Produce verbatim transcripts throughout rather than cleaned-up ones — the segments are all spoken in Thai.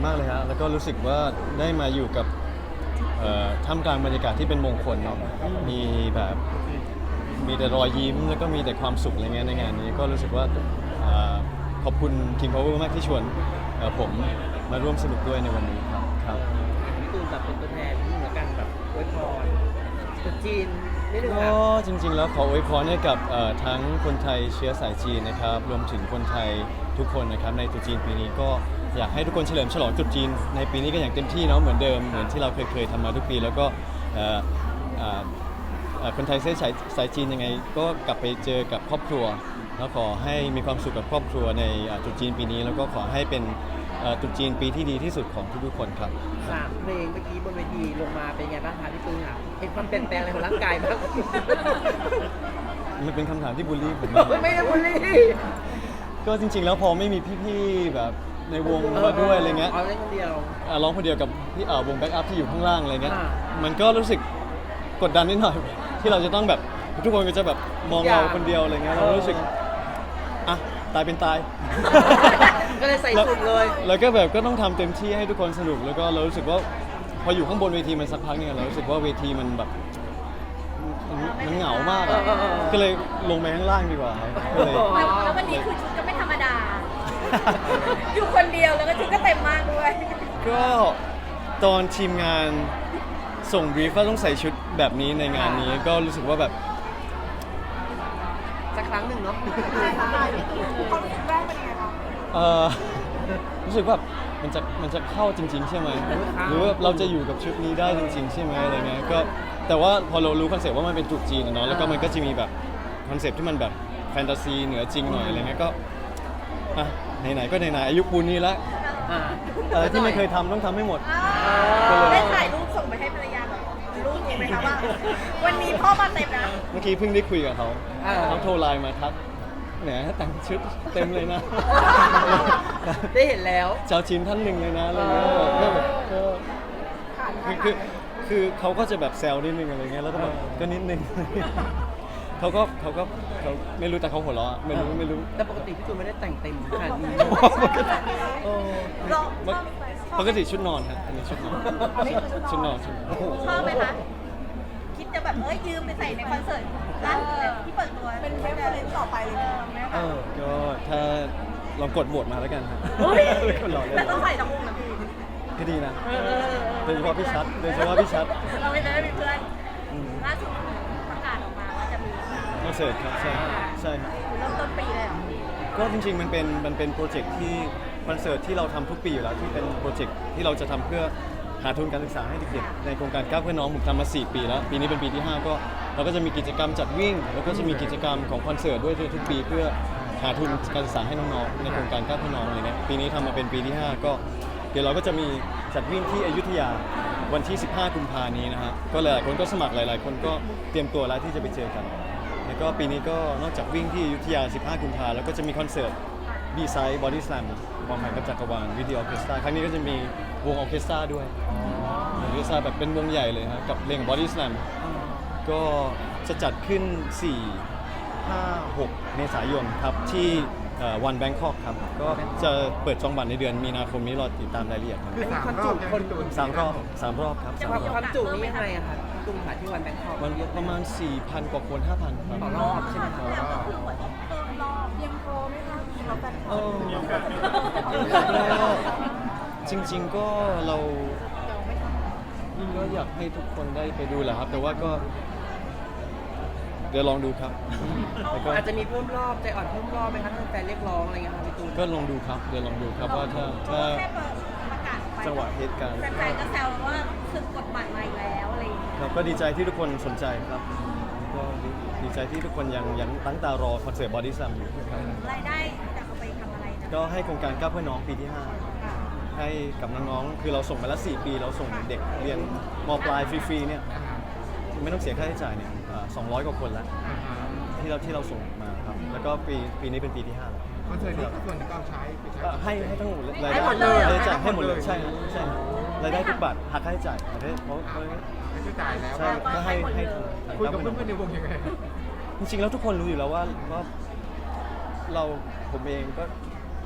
มากเลยฮะแล้วก็รู้สึกว่าได้มาอยู่กับท่ามกลางบรรยากาศที่เป็นมงคลเนาะมีแบบมีแต่รอยยิ้มแล้วก็มีแต่ความสุขอะไรเงี้ยในงานนี้ก็รู้สึกว่าขอบคุณ King Power มากที่ชวนผมมาร่วมสนุกด้วยในวันนี้ครับครับพี่ตูนแบบเป็นตัวแทนเหมือนกันแบบอวยพรตุ๊จีนนิดนึงก็จริงๆแล้วขออวยพรให้กับทั้งคนไทยเชื้อสายจีนนะครับรวมถึงคนไทยทุกคนนะครับในตรุษจีนปีนี้ก็อยากให้ทุกคนเฉลิมฉลองตรุษจีนในปีนี้กันอย่างเต็มที่เนาะเหมือนเดิมเหมือนที่เราเคยเคยทำมาทุกปีแล้วก็คนไทยเชื้อสายสายจีนยังไงก็กลับไปเจอกับครอบครัวแล้วขอให้มีความสุขกับครอบครัวในตรุษจีนปีนี้แล้วก็ขอให้เป็นตรุษจีนปีที่ดีที่สุดของทุกๆคนครับสามเพลงเมื่อกี้บนเวทีลงมาเป็นไงบ้างคะพี่ตูนค่ะเห็นความเปลี่ยนแปลงอะไรของร่างกายบ้างมันเป็นคำถามที่บูลลี่ผมไม่ได้บูลลี่ก็จริงๆแล้วพอไม่มีพี่ๆแบบในวงมาด้วยอะไรเงี้ยร้องคนเดียวร้องคนเดียวกับพี่วงแบ็กอัพที่อยู่ข้างล่างอะไรเงี้ยมันก็รู้สึกกดดันนิดหน่อยที่เราจะต้องแบบทุกคนก็จะแบบมองเราคนเดียวอะไรเงี้ยเรารู้สึกอ่ะตายเป็นตายก็เลยใส่สุดเลยแล้วก็แบบก็ต้องทำเต็มที่ให้ทุกคนสนุกแล้วก็เรารู้สึกว่าพออยู่ข้างบนเวทีมันสักพักเนี่ยเรารู้สึกว่าเวทีมันแบบมันเหงามากก็เลยลงไปข้างล่างดีกว่าก็เลยแล้ววันนี้คือชุดก็ไม่ธรรมดาอยู่คนเดียวแล้วก็ชุดก็เต็มมากด้วยก็ตอนทีมงานส่งบรีฟว่าต้องใส่ชุดแบบนี้ในงานนี้ก็รู้สึกว่าแบบสักครั้งหนึ่งเนาะความรู้สึกแรกเป็นยังไงคะเออรู้สึกว่ามันจะมันจะเข้าจริงๆใช่ไหมหรือว่าเราจะอยู่กับชุดนี้ได้จริงๆใช่ไหมอะไรเงี้ยก็แต่ว่าพอเรารู้คอนเซ็ปต์ว่ามันเป็นตรุษจีนเนาะแล้วก็มันก็จะมีแบบคอนเซ็ปต์ที่มันแบบแฟนตาซีเหนือจริงหน่อยอะไรเงี้ยก็อ่ะไหนๆก็ไหนๆอายุปูนนี้แล้วอะไรที่ไม่เคยทำต้องทำให้หมดได้ถ่ายรูปส่งไปให้ภรรยาแบบรูปนี้ไหมคะว่าวันนี้พ่อมาเต็มนะเมื่อกี้เพิ่งได้คุยกับเขาเขาโทรไลน์มาทักแหมแต่งชุดเต็มเลยนะได้เห็นแล้วเจ้าชินท่านหนึ่งเลยนะอะไรเงี้ยก็คือคือคือเขาก็จะแบบแซวนิดนึงอะไรเงี้ยแล้วก็แบบก็นิดนึงเขาก็เขาก็เขาไม่รู้แต่เขาหัวเราะไม่รู้ไม่รู้แต่ปกติพี่ตูนไม่ได้แต่งเต็มขนาดนี้ปกติชุดนอนครับอันนี้ชุดนอนชุดนอนชุดชอบไหมคะคิดจะแบบเอ้ยยืมไปใส่ในคอนเสิร์ตร้านที่เปิดตัวเป็นเรฟเฟอเรนซ์ต่อไปเลยเออก็ถ้าลองกดโหวตมาแล้วกันครับแต่ต้องใส่ทั้งวงนะพี่ก็ดีนะโดยเฉพาะพี่ชัดโดยเฉพาะพี่ชัดเราไม่ได้มีเพื่อนล่าสุดประกาศออกมาว่าจะมีคอนเสิร์ตครับใช่ใช่ครับเริ่มต้นปีเลยเหรอก็จริงๆมันเป็นมันเป็นโปรเจกต์ที่คอนเสิร์ตที่เราทำทุกปีอยู่แล้วที่เป็นโปรเจกต์ที่เราจะทำเพื่อหาทุนการศึกษาให้เด็กๆในโครงการก้าวเพื่อน้องผมทำมาสี่ปีแล้วปีนี้เป็นปีที่ห้าก็เราก็จะมีกิจกรรมจัดวิ่งแล้วก็จะมีกิจกรรมของคอนเสิร์ตด้วยทุกปีเพื่อหาทุนการศึกษาให้น้องๆในโครงการก้าวเพื่อน้องอะไรเงี้ยปีนี้ทำมาเป็นปีที่ห้าก็เดี๋ยวเราก็จะมีจัดวิ่งที่อยุธยาวันที่สิบห้ากุมภาพันธ์นี้นะฮะก็หลายๆคนก็สมัครหลายๆคนก็เตรียมตัวแล้วที่จะไปเจอกันแล้วก็ปีนี้ก็นอกจากวิ่งที่อยุธยาสิบห้ากุมภาพันธ์แล้วก็จะมีคอนเสิร์ตบีไซด์บอดี้สแลมความหมายกับจักรวาลวิดีโอออเคสตราครั้งนี้ก็จะมีวงออเคสตราด้วยออเคสตราแบบเป็นวงใหญ่เลยฮะกับเพลงบอดี้สแลมก็จะจัดขึ้นสี่ ห้า หกเมษายนครับที่วันแบงคอกครับก็จะเปิดจองบัตรในเดือนมีนาคมนี้รอติดตามรายละเอียดครับคือสามรอบคนดูสามรอบสามรอบครับความจุนี่ยังไงอะครับตุ้มขาที่วันแบงคอกมันประมาณ สี่พัน กว่าคน ห้าพัน ครับต่อรอบใช่ไหมครับยังพอไหมคะเราแบงคอกจริงๆก็เราก็อยากให้ทุกคนได้ไปดูแหละครับแต่ว่าก็เดี๋ยวลองดูครับอาจจะมีเพิ่มรอบใจอ่อนเพิ่มรอบไหมครับถ้าแฟนเรียกร้องอะไรเงี้ยครับพี่ตูนก็ลองดูครับเดี๋ยวลองดูครับว่าถ้าถ้าจังหวะเหตุการณ์แฟนๆก็แซวว่าคือกดบัตรมาอีกแล้วอะไรอย่างเงี้ยครับก็ดีใจที่ทุกคนสนใจครับก็ดีใจที่ทุกคนยังยังตั้งตารอคอนเสิร์ตบอดี้สแลมอยู่ครับรายได้จะเอาไปทำอะไรนะก็ให้โครงการก้าวเพื่อน้องปีที่ห้าให้กับน้องๆคือเราส่งมาแล้วสี่ปีเราส่งเด็กเรียนม.ปลายฟรีๆเนี่ยไม่ต้องเสียค่าใช้จ่ายเนี่ยสองร้อยกว่าคนแล้วที่เราที่เราส่งมาครับแล้วก็ปีปีนี้เป็นปีที่ห้าแล้วคอนเสิร์ตนี้ส่วนที่เราใช้ให้ให้ทั้งหมดรายได้รายจ่ายให้หมดเลยใช่ใช่รายได้ทุกบาทหักค่าใช้จ่ายเพราะเขาใช้จ่ายแล้วใช่ก็ให้ให้คุยกับเพื่อนๆในวงยังไงจริงๆแล้วทุกคนรู้อยู่แล้วว่าว่าเราผมเองก็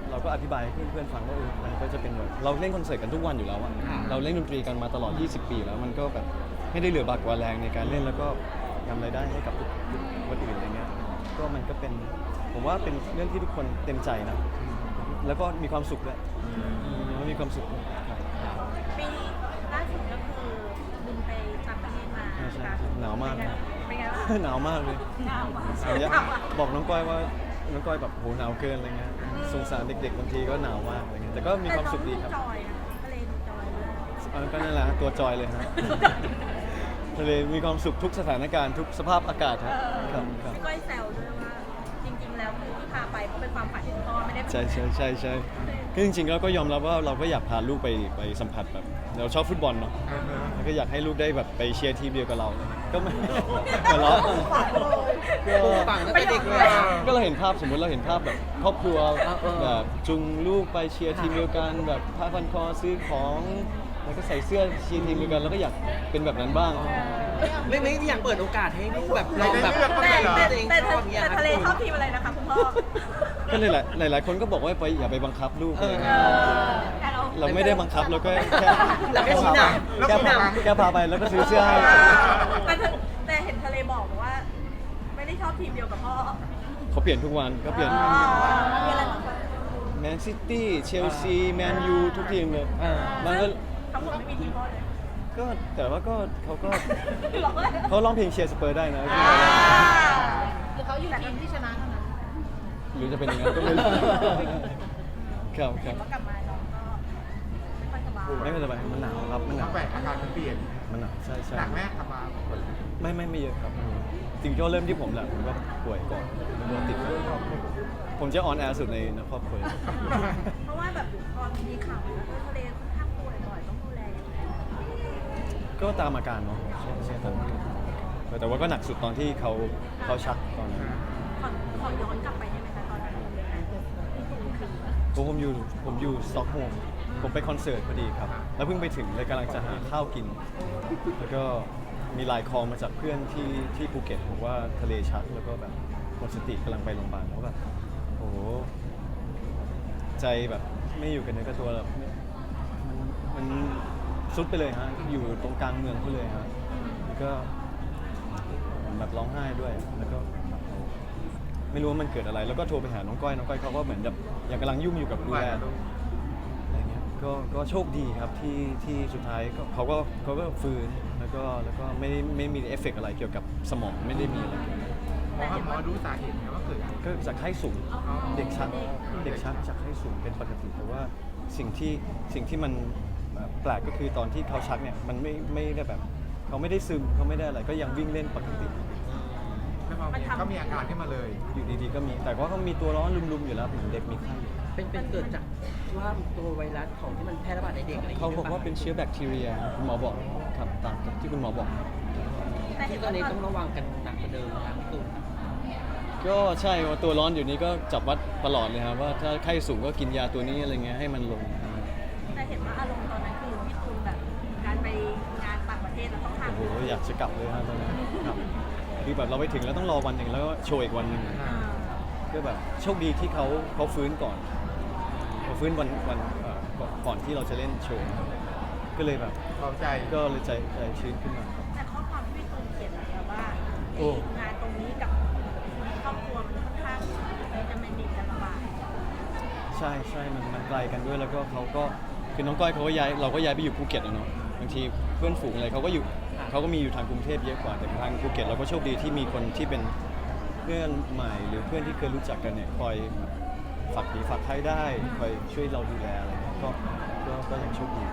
เราก็อธิบายให้เพื่อนๆฟังว่าเออมันก็จะเป็นแบบเราเล่นคอนเสิร์ตกันทุกวันอยู่แล้วอะเราเล่นดนตรีกันมาตลอดยี่สิบปีแล้วมันก็แบบไม่ได้เหลือบากกว่าแรงในการเล่นแล้วก็ทำรายได้ให้กับทุกคนอื่นอะไรเงี้ยก็มันก็เป็นผมว่าเป็นเรื่องที่ทุกคนเต็มใจนะแล้วก็มีความสุขด้วยแล้วมีความสุขด้วยครับปีล่าสุดก็คือบินไปต่างประเทศมาใช่ใช่ค่ะหนาวมากนะเป็นไงบ้างหนาวมากเลยหนาวมากเอาอย่าหนาวมากบอกน้องก้อยว่าน้องก้อยแบบโหหนาวเกินอะไรเงี้ยสงสารเด็กๆบางทีก็หนาวมากอะไรเงี้ยแต่ก็มีความสุขดีครับแต่น้องจอยนะทะเลดูจอยมากเออก็นั่นแหละฮะตัวจอยเลยฮะ ทะเลมีความสุขทุกสถานการณ์ทุกสภาพอากาศเอฮะอครับครับพี่ก้อยแซวด้วยว่า จริง ๆ แล้วคือที่พาไปเพราะเป็นความฝันที่คุณพ่อไม่ได้ใช่ใช่ใช่ใช่คือจริงๆแล้วก็ยอมรับว่าเราก็อยากพาลูกไปไปสัมผัสแบบเราชอบฟุตบอลเนาะเออเออแล้วก็อยากให้ลูกได้แบบไปเชียร์ทีมเดียวกับเราอะไรเงี้ยก็ไม่หัวเราะก็ฝังตั้งแต่เด็กเลยก็เราเห็นภาพสมมติเราเห็นภาพแบบครอบครัวแบบจุงลูกไปเชียร์ทีมเดียวกันแบบผ้าพันคอซื้อของแล้วก็ใส่เสื้อเชียร์ทีมเดียวกันแล้วก็อยากเป็นแบบนั้นบ้างไม่ไม่อยากเปิดโอกาสให้ลูกแบบลองแบบแต่แต่ตัวเองแต่ชอบอย่างเงี้ยแต่ทะเลชอบทีมอะไรนะคะคุณพ่อก็เลยหลายหลายๆคนก็บอกว่าไปอย่าไปบังคับลูกอะไรเอเงี้ยอแต่เราเราไม่ได้บังคับเราก็แค่เราแค่ชี้นำแค่ชี้นพาแค่พาไปแล้วก็ซื้อเสื้อให้แต่เธอแต่เห็นทะเลบอกว่า ไม่ได้ชอบทีมเดียวกับพ่อเขาเปลี่ยนทุกวันเขาเปลี่ยนมีอะไรบ้างคะแมนซิตี้เชลซีแมนยูทุกทีมเลยเออมันก็ทั้งหมดไม่มีทีมพ่อเลยก็แต่ว่าก็เขาก็บอกเลยเขาร้องเพลงเชียร์สเปอร์ได้นะอ่าคือเขาอยู่ทีมที่ชนะเท่านั้นหรือจะเป็นอย่างนั้นก็ไม่รู้ครับคเห็รันบว่ากลับมาน้องก็ไม่ค่อยสบายไม่เป็นไรมันหนาวครับมันหนาวแปลกอาการมันเปลี่ยนมันหนาวใช่ใช่หนักแม่ทำมาไม่ไม่ไม่เยอะครับไม่เยอะจริงๆก็เริ่มที่ผมแหละผมก็ป่วยก่อนแล้วก็ติดก่อนผมจะออนแอร์สุดในในครอบครัวเพราะว่าแบบพอมีข่าวว่าทะเลค่อนข้างป่วยบ่อยต้องดูแลยังไงก็ตามอาการเนาะใช่ใช่ตามอาการแต่ว่าก็หนักสุดตอนที่เขาเขาชักตอนนั้นขอขอย้อนกลับไปได้ไหมคะตอนนั้นเป็นยังไงที่คุณคือผมผมอยู่ผมอยู่สต็อกโฮล์มผมไปคอนเสิร์ตพอดีครับ แล้วเพิ่งไปถึงเลยกำลังจะหาข้าวกิน แล้วก็มีไลน์คอลมาจากเพื่อนที่ที่ภูเก็ตบอกว่าทะเลชักแล้วก็แบบหมดสติกำลังไปโรงพยาบาลแล้วแบบโอ้โหใจแบบไม่อยู่กันในกระตัวแล้วมันมันซุดไปเลยฮะอยู่ตรงกลางเมืองเขาเลยฮะแล้วก็แบบร้องไห้ด้วยแล้วก็แบบไม่รู้ว่ามันเกิดอะไร แล้วก็โทรไปหาน้องก้อยน้องก้อยเขาก็เหมือนแบบยังกำลังยุ่งอยู่กับดูแลอะไรเงี้ยก็ก็โชคดีครับที่ที่สุดท้ายก็เขาก็เขาก็ฟื้นแล้วก็แล้วก็ไม่ไม่มีเอฟเฟกต์อะไรเกี่ยวกับสมองไม่ได้มีอะไรเกี่ยวกับหมอหมอรู้สาเหตุไหมว่าเกิดอะไรก็จากไข้สูงเด็กชักเด็กชักจากไข้สูงเป็นปกติแต่ว่าสิ่งที่สิ่งที่มันแบบแปลกก็คือตอนที่เขาชักเนี่ยมันไม่ไม่ได้แบบเขาไม่ได้ซึมเขาไม่ได้อะไรก็ยังวิ่งเล่นปกติแล้วพอมีก็มีอาการขึ้นมาเลยอยู่ดีๆก็มีแต่ว่าเขามีตัวร้อนลุมๆอยู่แล้วเหมือนเด็กมีไข้เป็นเป็นเกิดจากว่าตัวไวรัสของที่มันแพร่ระบาดในเด็กอะไรอย่างเขาเงี้ยบอกว่าเป็นเชื้อแบคทีเรียคุณหมอบอกครับตามที่คุณหมอบอกแต่เห็ที่นตอว่านนี้ตอนต้องระวังกันหนักกว่าเดิมนะครับพี่ตูนก็ใช่ว่าตัวร้อนอยู่นี้ก็จับวัดตลอดเลยครับว่าถ้าไข้สูงก็กินยาตัวนี้อะไรเงี้ยให้มันลงแต่เห็นว่าอารมณ์ตอนนั้นคือพี่ตูนแบบการไปงานต่างประเทศแล้วต้องห่างโอ้โหอยากจะกลับเลยฮะตอนนั้นครับคือแบบเราไปถึงแล้วต้องรอวันหนึ่งแล้วก็โชว์อีกวันหนึ่งอ่าก็แบบโชคดีที่เขาเขาฟื้นก่อนเขาฟื้นวันวันเอ่อก่อนก่อนที่เราจะเล่นโชว์ก็เลยแบบเบาใจก็เลยใจใจชื้นขึ้นมาครับแต่ข้อความที่พี่ตูนเขียนแบบว่าโอ้งานตรงนี้กับครอบครัวมันค่อนข้างจะแมนดิจะลำบากใช่ใช่มันมันไกลกันด้วยแล้วก็เขาก็คือน้องก้อยเขาก็ย้ายเราก็ย้ายไปอยู่ภูเก็ตอะเนาะบางทีเพื่อนฝูงอะไรเขาก็อยู่เขาก็มีอยู่ทางกรุงเทพเยอะกว่าแต่ทางภูเก็ตเราก็โชคดีที่มีคนที่เป็นเพื่อนใหม่หรือเพื่อนที่เคยรู้จักกันเนี่ยคอยแบบฝากผีฝากไข้ได้คอยช่วยเราดูแลอะไรเงี้ยก็ก็ก็ยังโชคดี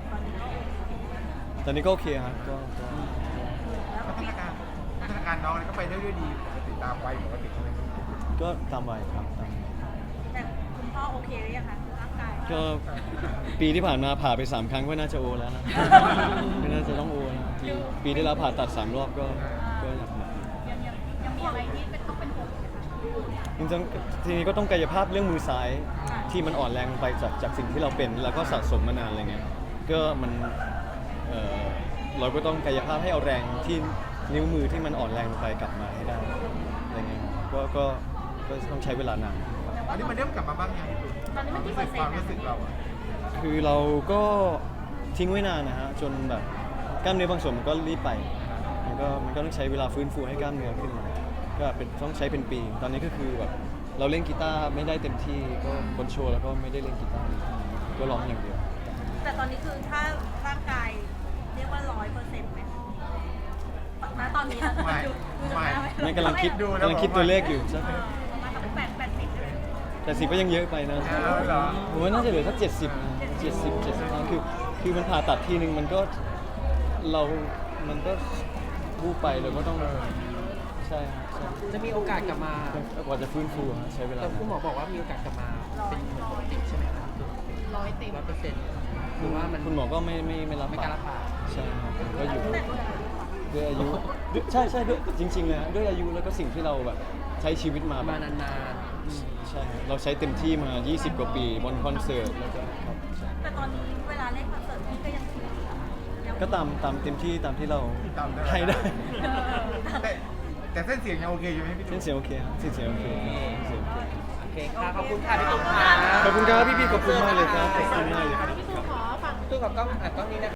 ตอนนี้ก็โอเคครับก็ก็พัฒนาการพัฒนาการน้องเนี่ยก็ไปได้ด้วยดีปกติตามวัยปกติใช่ไหมก็ตามวัยครับตามวัยแต่คุณพ่อโอเคหรือยังคะร่างกายก็ปีที่ผ่านมาผ่าไปสามครั้งก็น่าจะโอแล้วนะไม่น่าจะต้องโอนะปีปีที่แล้วผ่าตัดสามรอบก็ก็หนักหนักยังยังยังมีอะไรที่เป็นต้องเป็นห่วงไหมคะจริงๆทีนี้ก็ต้องกายภาพเรื่องมือซ้ายที่มันอ่อนแรงลงไปจากจากสิ่งที่เราเป็นแล้วก็สะสมมานานอะไรเงี้ยก็มันเอ่อเราก็ต้องกายภาพให้เอาแรงที่นิ้วมือที่มันอ่อนแรงลงไปกลับมาให้ได้อะไรเงี้ยก็ก็ก็ต้องใช้เวลานานครับแต่อันนี้มันเริ่มกลับมาบ้างยังตอนนี้มันกี่เปอร์เซ็นความต์รู้สึกเราอะคือเราก็ทิ้งไว้นานนะฮะจนแบบกล้ามเนื้อบางส่วนมันก็รีบไปมันก็มันก็ต้องใช้เวลาฟื้นฟูให้กล้ามเนื้อขึ้นมาก็เป็นต้องใช้เป็นปี ตอนนี้ก็คือแบบเราเล่นกีตาร์ไม่ได้เต็มที่ก็บนโชว์แล้วก็ไม่ได้เล่นกีตาร์ก็ร้องอย่างเดียวแต่ตอนนี้คือถ้าร่างกายเรียกว่าร้อยเปอร์เซ็นต์ไหมณตอนนี้นะไม่ดูดูไม่หน้าว้ไม่กำลังคิดดูแล้วกำลังคิดตัวเลขอยู่ใช่เออประมาณสักแปดแปดสิบใช่ไหมแต่สิบก็ยังเยอะไปนะเอาเหรอผมว่าน่าจะเหลือสักเจ็ดสิบนะเจ็ดสิบเจ็ดสิบคือคือมันผ่าตัดทีนึงมันก็เรา มันก็วูบไปเราก็ต้องใช่ครับใช่จะมีโอกาสกลับมากว่าจะฟื้นฟูฮะใช้เวลาแต่คุณหมอบอกว่ามีโอกาสกลับมาเป็นเหมือนปกติใช่ไหมครับร้อยเต็มร้อยเปอร์เซ็นต์หรือว่ามันคุณหมอก็ไม่ไม่ไม่รับไม่กล้ารับปากใช่ครับก็อยู่ด้วยอายุด้วยใช่ใช่ด้วยจริงๆเลยฮะด้วยอายุแล้วก็สิ่งที่เราแบบใช้ชีวิตมามาแบบนานๆอืมใช่ครับเราใช้เต็มที่มา ยี่สิบ กว่าปีบนคอนเสิร์ตแล้วก็ครับใช่แต่ตอนนี้เวลาเล่นคอนเสิร์ตพี่ก็ยังถือยังก็ตามตามเต็มที่ตามที่เราตามได้ให้ได้แต่แต่เส้นเสียงยังโอเคอยู่ไหมพี่เส้นเสียงโอเคครับเส้นเสียงโอเคเส้นเสียงโอเคโอเคค่ะขอบคุณค่ะพี่ตุ้มค่ะขอบคุณครับพี่ๆขอบคุณมากเลยครับขอบคุณมากเลยครับพี่ตูขอฝั่งตุ้มกับกล้องอ่ะกล้องนี้นะ